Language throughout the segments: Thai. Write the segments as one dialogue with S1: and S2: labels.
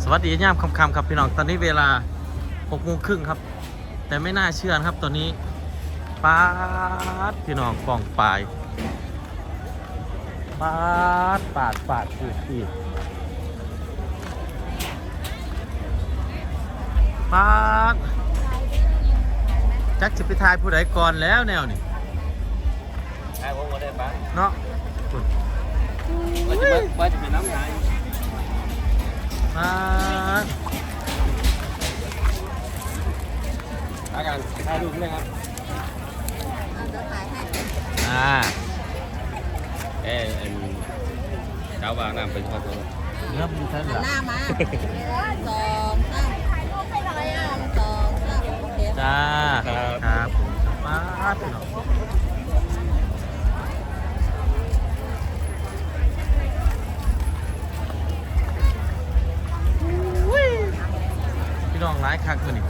S1: วัสดีย่ามค่ำๆครับพี่น้องตอนนี้เวลา6:30ครับแต่ไม่น่าเชื่อครับตอนนี้ปาดพี่น้องกองปลายปาดอีกปาดจักจะไปทายผู้ใดก่อนแล้วแนวนี่
S2: ทายผมก็ได้ปะ
S1: เนาะ
S2: ว่าจะเป็นน้ำยา
S1: ปาด
S2: อาการถ่ายรูปเลยครับเจ้าบางน้ำเป็นข้อตัว
S1: เริ่มมีท่านหลัง
S3: หน้ามาสองสามสองสามโอเค
S1: จ้าครับมาพี่น้องพี่น้องร้ายคักตัวนี้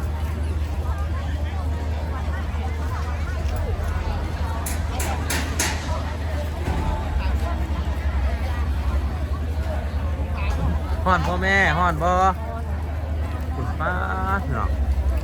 S1: ฮ้อนพ่อแม่ฮ้อนบ่คุณป้าเนาะ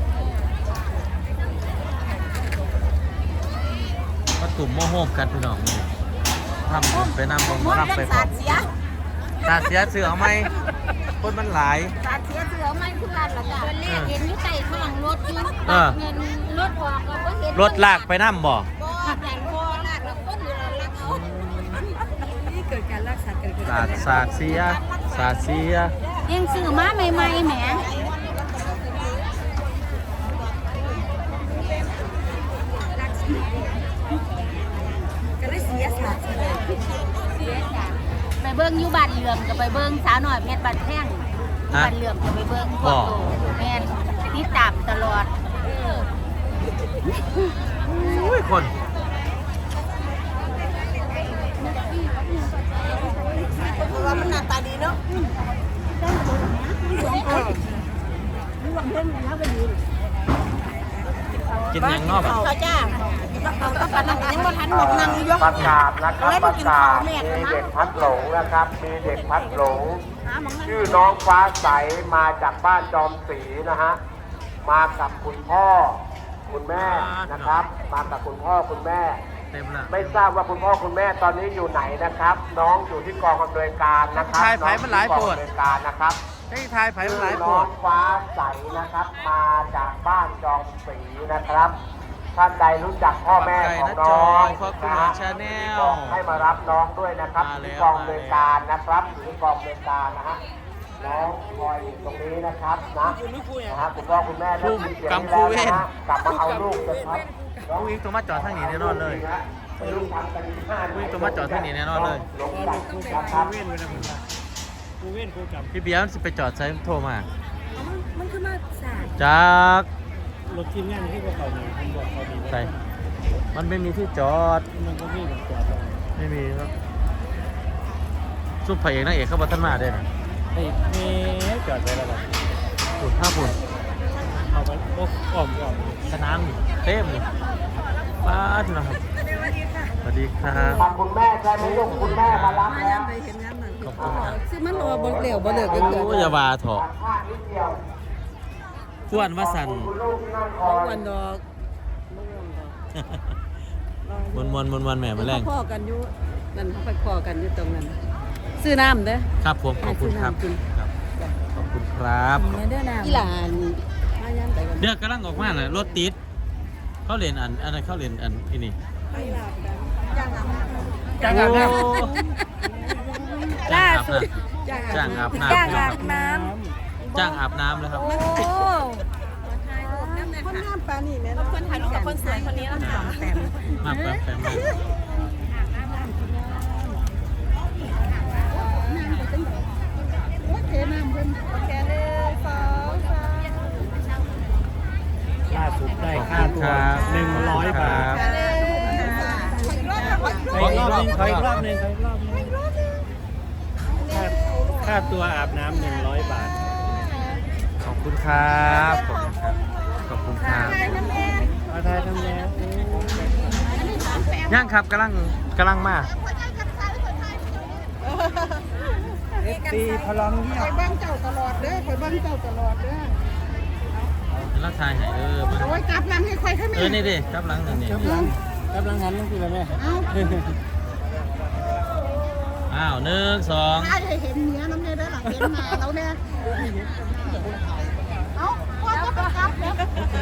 S1: มาตุ่มโมโหกันพี่น้องทำบุญไปนำบงรับไปพร้อมตาเสียเสือเอาไหมคนมันหลาย
S3: สาดเสียเสือไม่คือกันหรอกจ้ะวันแรกเห็นอยู่ใต้ท้องรถอยู่เงินรถออกก็เห็น
S1: รถลากไปน้ำบ่
S3: แต่พอลากแล้วก้นอยู่แล้วลากเอานี่เกิดการรักษาเกิด
S1: สาดเสีย
S3: ยังซื้อมาใหม่ๆแหมก็ได้เสียสาดไปเบิ้งอยู่บ้านเหลื่อมกับไปเบิ้งสาวหน่อยเพชรบ้านแท่งบ้านเหลื่อมกับไปเบิ้งพวกโตแม่นติดตามตลอด
S1: คน
S3: ว่ามันหน้าตาดีเนาะ
S1: กินยังนอก
S3: เขาจ้าเขาต้องการนั่งยังว่าทันหมดนั่งยก
S4: ประกาศนะครับประกาศมีเด็กพัดหลงนะครับมีเด็กพัดหลงชื่อน้องฟ้าใสมาจากบ้านจอมศรีนะฮะมากับคุณพ่อคุณแม่นะครับมากับคุณพ่อคุณแม่ไม่ทราบว่าคุณพ่อคุณแม่ตอนนี้อยู่ไหนนะครับน้องอยู่ที่กองอำนวยการนะครับ
S1: ทายไผ่มันหลายปวด
S4: นะครับ
S1: ให้ทายไผ่มันหลายป
S4: น้
S1: วด
S4: องฟ้าใสนะครับมาจากบ้านจอมศรีนะครับท่านใดรู้จักพ่อแม่ของน้องนะฮะให้มารับน้องด้วยนะครับที่กองอำนวยการนะครับอยู่ที่กองอำนวยการนะฮะน้องคอยอยู่ตรงนี้นะครับนะคุณพ่อคุณแม่ได้ยินเสียงแล้วนะฮะกลับมาเอาลูกนะครับ
S1: ผู้วิ่งตัวมาจอดทางนี้แน่นอนเลยผู้วิ่งตัวมาจอดทางนี้แน่นอนเลยพี่เบียร์สิไปจอดใช้โทรมา
S3: มันคือมาสาย
S1: จาก
S2: รถทีมงานที่พวกเขาเนี่ยผมบอกเขาดี
S1: ใช่มันไม่มีที่จอด
S2: มันก็ไม่จอด
S1: ไม่มีครับซุปไผ่เอกนักเอกเข้ามาท่านมาได้ไหม
S2: มีจอดไปแล้วครับ
S1: ฝุ่นฝุ่น
S2: เอาไปอ้อม
S1: สนามเต็มป้าดนะครับสวัสดีครับ
S4: คุณแม่ใช่ไหมลูกคุณแม่มารับแล้ว
S1: ขอบคุณครับ
S3: ซึ่งมันรอบนเหลวบนเหลือกันเกิด
S1: อย่าว่าเถอะขวนว่าสัน
S3: วันดอก
S1: วันแม่มาแรง
S3: พ่อกันอยู่นั่นเขาไปพ่อกันอยู่ตรงนั้นซื้อน้ำเด้อ
S1: ครับผมขอบคุณครับขอบคุณครับ
S3: อีหลาน
S1: เดี๋ยวกำลังออกมาเลยรถติดเขาเรียนอันเขาเรียนอันที่นี่
S3: จ้างอาบน้ำ
S1: จ้างอาบน้ำจ้างอาบน้ำเลยครับ
S3: คนงามปานี่แม่คนถ่ายรูปกับคนสวยคนนี้แล้วค่ะ
S1: มาแป๊บ
S2: ล่าสุดได้ค่าตัว100 บาทขออีกรอบหนึ่งค่าตัวอาบน้ำ100 บาท
S1: ขอบคุณครับขอบคุณครับ
S2: มาไทยทำแล้ว
S1: ย่างครับกำลังมา
S2: ตีพลังเงียบ
S3: ไปบ้างเจ้าตลอดเด้อไปบ้าง
S5: งเจ้าตลอดเด้อ
S1: เห็นแล้วทายให้มา
S5: โอ้ยกลับหลังให้ใครขึ้น
S1: นี่ดิกลับหลังนี่
S2: กำลังหันลงทีละแม่
S5: เอา
S1: อ้าว1 2
S5: ถ้าจะเห็นเนื้อน้ำเนี่ยได้หลังเห็นมาแล้วเนี่ยเอาพ่อจะไปกลับแล้ว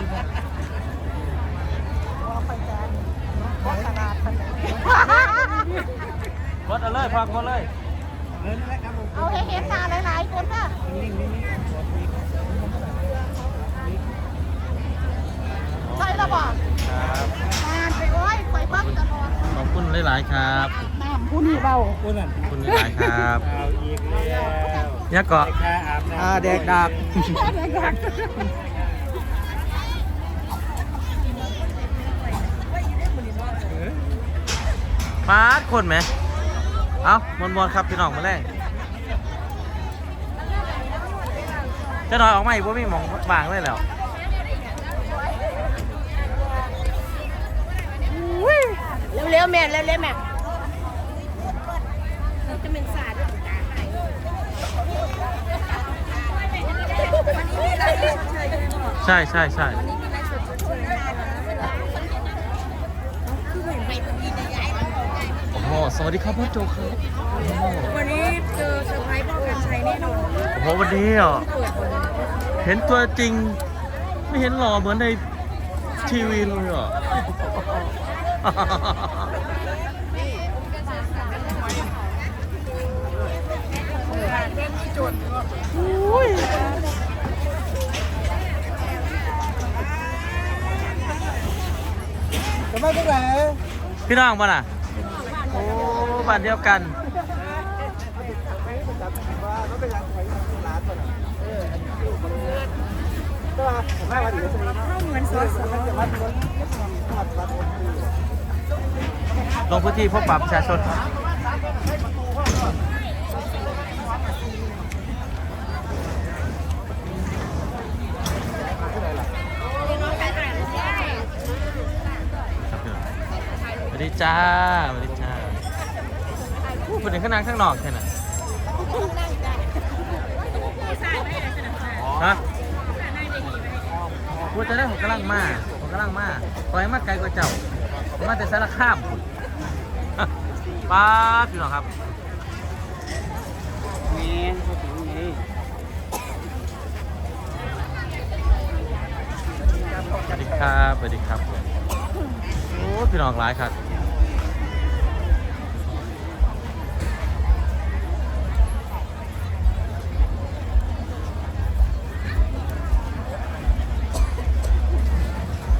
S5: พ่อขนาดขนาด
S1: กดเอาเลยพักกดเลย
S5: เอาให้เห็นมาหลายๆคนนะใช่แล้วบอก
S1: ครับ
S5: งานไปโอ้ยไปเบิ้งตลอด
S1: ขอบคุณหลายๆครับ
S5: น้ำผู้นี่เบา
S2: คุณนั่น
S1: ขอบคุณหลายๆครับ
S2: เอาอีกแล้ว
S1: เนี่ยเกาะ
S2: ค่าอาบน้ำ
S1: เด็กดักปาดคนไหมเอามวนๆครับพี่น้องมาแรงจะหน่อยออกมาอีกว่ามีหมองวางเลยแล้ว
S3: เร็วๆแม่เร็วๆแม่
S1: ใช่ใช่ใช่โอ้โหสวัสดีครับพ่อโจครับ
S3: วันนี้เจอเซอร์ไพรส์พ่อกันชัยแน่นอน
S1: โอ้โหวันนี้อ่ะเห็นตัวจริง ไม่เห็นหล่อเหมือนในทีวีเลยอ่ะ
S2: จะไม่เป็นไร
S1: พี่น้องมาน่ะ โอ้บ้านเดียวกัน ลงพื้นที่พบปะประชาชน สวัสดีจ้า สวัสดีจ้าพูดถึงข้างในข้างนอกแค่นั้นฮะพูดจะได้ผมกำลังมาปล่อยมาไกลกว่าเจ้าผมมาแต่สารข้ามคุณ ป้าพี่น้องครับ
S2: นี่เขาถึงนี่
S1: สวัสดีครับ สวัสดีครับ โอ้พี่น้องหลายครับ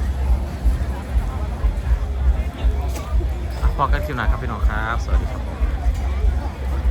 S1: พอกันคลิปหน้าครับพี่น้องครับ สวัสดีครับ